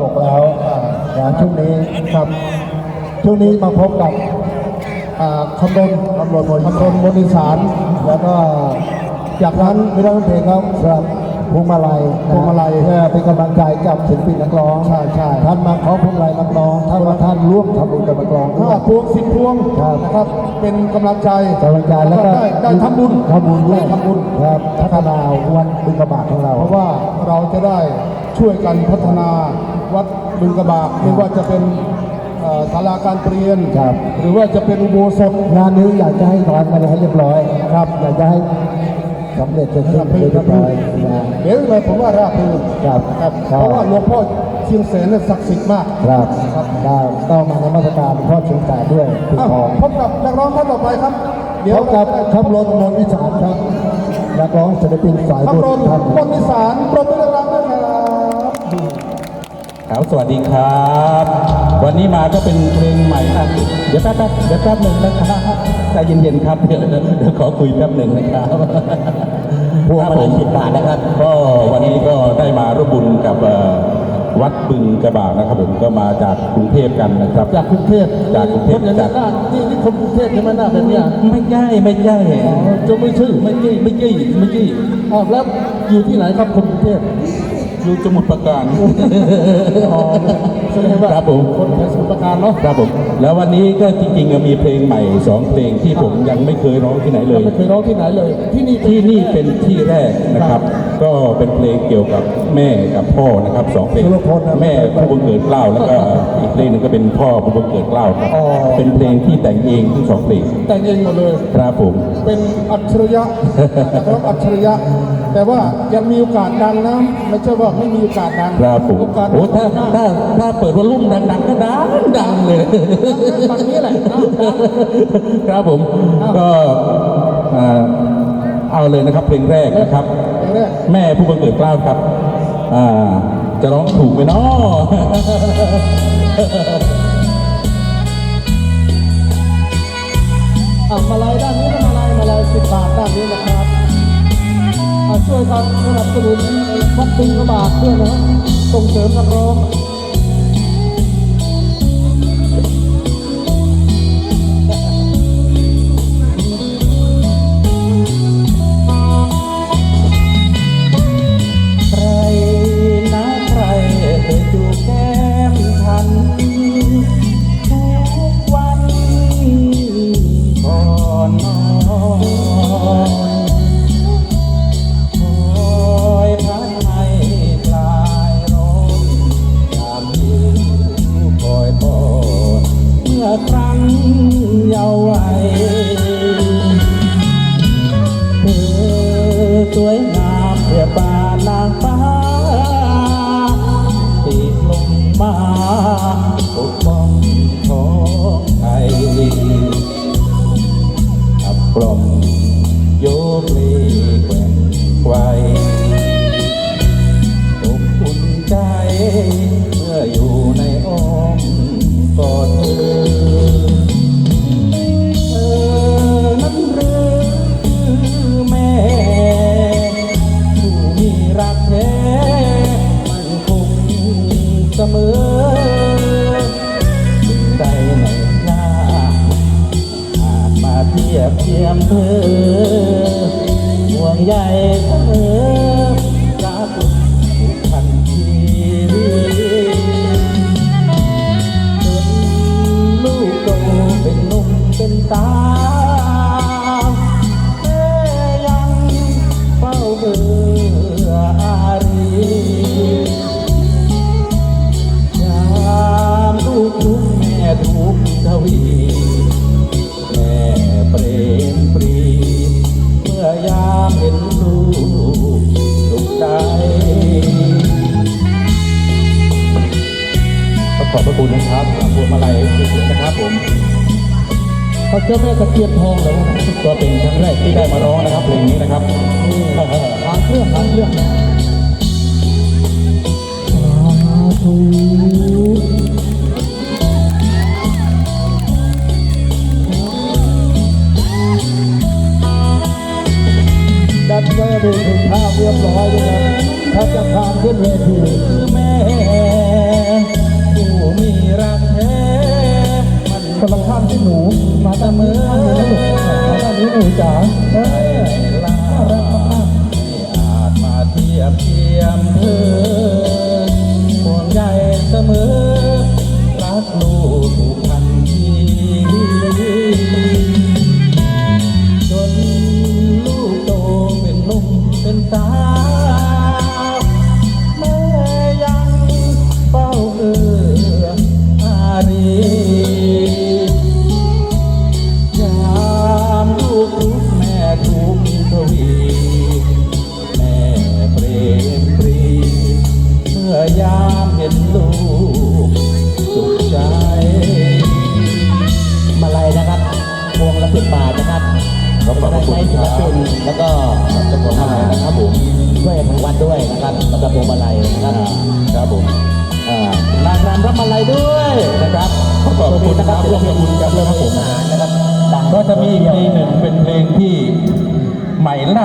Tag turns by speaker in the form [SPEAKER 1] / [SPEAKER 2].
[SPEAKER 1] บอกแล้วช่วงนี้ครับช่วงนี้มาพบกับคำรณมนต์อีสานแล้วก็จากนั้นไม่ต้องเพลงครับสำหรับพวงมาลัยเพื่อเป็นกำลังใจกับศิลปินนักร้องใช่ท่านมาขอพวงมาลัยนักร้องท่านร่วมทำบุญกับนักร้องด้วยพวง10 พวงนะครับเป็นกำลังใจแล้วก็ได้ทำบุญด้วยครับพัฒนาวัดบึงกระบากของเราเพราะว่าเราจะได้ช่วยกันพัฒนาวัดบึงกระบากไม่ว่าจะเป็นศาลาการเปลี่ยนหรือว่าจะเป็นอุโบสถงานนี้อยากจะให้ร้านมาให้เรียบร้อยครับอยากจะให้สำเร็จจนเรียบร้อยเดี๋ยวเลยผมว่าราบรื่นเพราะว่าหลวงพ่อเชียงแสนเนี่ยศักดิ์สิทธิ์มากครับต้องมานมัสการหลวงพ่อเชียงแสนด้วยพบกับนักร้องท่านต่อไปครับเดี๋ยวกับคำรณมนต์อีสานครับนักร้องศิลปินสายบุญท่านมนต์อีสานปรบมือดังๆด้วย
[SPEAKER 2] ครับสวัสดีครับวันนี้มาก็เป็นเพลงใหม่ครับเดี๋ยวแป๊บหนึ่งนะครับใจเย็นๆครับเดี๋ยวขอคุยแป๊บหนึ่งนะครับพวกมา10 บาทนะครับก็วันนี้ก็ได้มาร่วมบุญกับวัดบึงกระบากนะครับผมก็มาจากกรุงเทพกันนะครับจากกรุงเทพจากนี่คนกรุงเทพใช่ไหมหน้าเป็นเนี่ยไม่ใช่จะไม่ชื่อไม่กี้แล้วอยู่ที่ไหนครับคนกรุงเทพอยู่สมุทรปราการครับผมคนสมุทรปราการเนาะครับผมแล้ววันนี้ก็จริงๆมีเพลงใหม่2 เพลงที่ผมยังไม่เคยร้องที่ไหนเลยที่นี่เป็นที่แรกนะครับก็เป็นเพลงเกี่ยวกับแม่กับพ่อนะครับ2 เพลงแม่ผู้บังเกิดเกล้าแล้วก็อีกเพลงหนึ่งก็เป็นพ่อผู้บังเกิดเกล้าครับเป็นเพลงที่แต่งเองทั้ง2 เพลง
[SPEAKER 1] แต่งเองหมดเลยครับผมเป็นอัจฉริยะนะครับอัจฉริยะแต่ว่ายังมีโอกาสดังนะไม่ใช่ว่าไม่มีโอกาสดัง
[SPEAKER 2] ครับผมโอ้ถ้าเปิดวอลลุ่มดังๆก็ดังเลย
[SPEAKER 1] ตอนนี้แหละ
[SPEAKER 2] ครับผมก็เอาเลยนะครับเพลงแรกนะครับแม่ผู้บังเกิดเกล้าครับจะร้องถูกไหมเนาะ
[SPEAKER 1] มาลัยด้านนี้มาลัย10 บาทด้านนี้นะครับช่วยกันสนับสนุนวัดบึงกระบากด้วยนะส่งเสริมนักร้อง
[SPEAKER 2] ใครนะใครจูบแก้มฉันทุกวันก่อนนอนครั้งเยาว์วัยเธอสวยงามเปรียบปานนางฟ้าติดลงมาปกป้องของไทยขับกล่อมโยกเล่แกว่งไกวอบอุ่นใจเมื่ออยู่ในอ้อมกอดเธอนั้นหรือแม่ผู้มีรักแท้มันคงเสมอใจในหน้าอาจมาเทียบเทียมเธอห่วงใยเสมอรักผูกพันชีวิตลูกโตเป็นหนุ่มเป็นสาวแม่ยังเฝ้าเบื่ออารียามลูกทุกแม่ทุกทวีแม่เปรมปรีเมื่อยามเห็นลูกสุขใจขอบพระคุณนะครับพวงมาลัยสวยๆนะครับผมพระเจ้าแม่ตะเคียนทองเลยก็เป็นครั้งแรกที่ได้มาร้องนะครับเพลงนี้นะครับ
[SPEAKER 1] หางเครื่องด้านนี้ดูถึงภาพเรียบร้อยเลยนะถ้าจะพาขึ้นเวที
[SPEAKER 2] แม่
[SPEAKER 1] ที่หนูมาด้านนี้มาด้านนี้หนูจ๋า
[SPEAKER 2] ใ
[SPEAKER 1] เอ
[SPEAKER 2] ห้
[SPEAKER 1] อ
[SPEAKER 2] ลาไม่อาจมาเทียบเทียมเธอห่วงใยเสมอรักลูกผูกพันที่จนลูกโตเป็นหนุ่มเป็นสาวแม่ยังเฝ้าอารียามลูกทุกข์แม่ทุกข์ทวีแม่เปรมปรีเมื่อยามเห็นลูกสุขใจ
[SPEAKER 3] มาลัยนะครับพวงละ10 บาทนะครับเราก็ได้ใช้ศิลปินแล้วก็นะครับผมช่วยทางวัดด้วยนะครับแล้วก็พวงมาลัยนะครับ
[SPEAKER 2] ครับผมนางรำรับมาลัยด้วยนะครับขอบคุณนะครับร่วมบุญกับเรื่องผม
[SPEAKER 3] นะครับดัง
[SPEAKER 2] ก็จะมีอีกเพลงหนึ่งเป็นเพลงที่ใหม่ล่า